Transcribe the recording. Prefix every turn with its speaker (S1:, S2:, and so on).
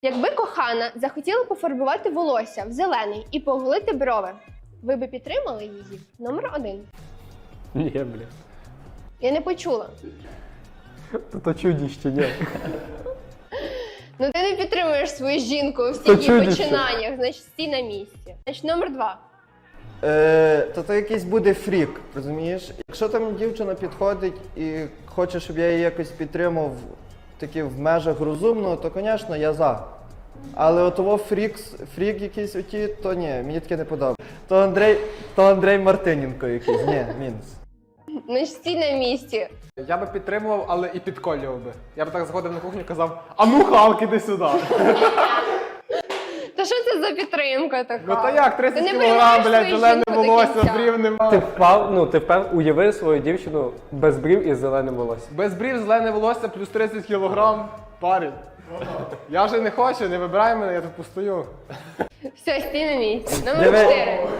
S1: Якби кохана захотіла пофарбувати волосся в зелений і поголити брови, ви би підтримали її? Номер 1.
S2: Ні, бля.
S1: Я не почула.
S2: То чудіще, ні.
S1: Ну ти не підтримуєш свою жінку у
S2: То
S1: всіх її
S2: чудіще.
S1: починаннях, значить стій на місці. Значить номер 2.
S3: То якийсь буде фрік, розумієш? Якщо там дівчина підходить і хоче, щоб я її якось підтримав таки в межах розумного, то, звісно, я за. Але отого фрік якийсь оті, то ні, мені таке не подобається. То Андрей Мартиненко якийсь, ні, мінус.
S1: Значить стій на місці.
S4: Я би підтримував, але і підколював би. Я би так заходив на кухню і казав: а ну, Халк, іди сюди.
S1: Та що це за підтримка така?
S4: Ну та як, 30
S1: Ти не
S4: кілограм,
S1: приймаєш
S4: блядь,
S1: свою
S4: зелене
S1: жінку до
S4: волосся,
S1: кінця.
S4: брів
S2: Ти
S4: нема.
S2: впав, уяви свою дівчину без брів і з зеленим волоссям.
S4: Без брів, зелене волосся, плюс 30 кілограм, парень. Я вже не хочу, не вибирай мене, я тут постою.
S1: Все, стій на місці. Номер
S3: Диви,
S1: 4.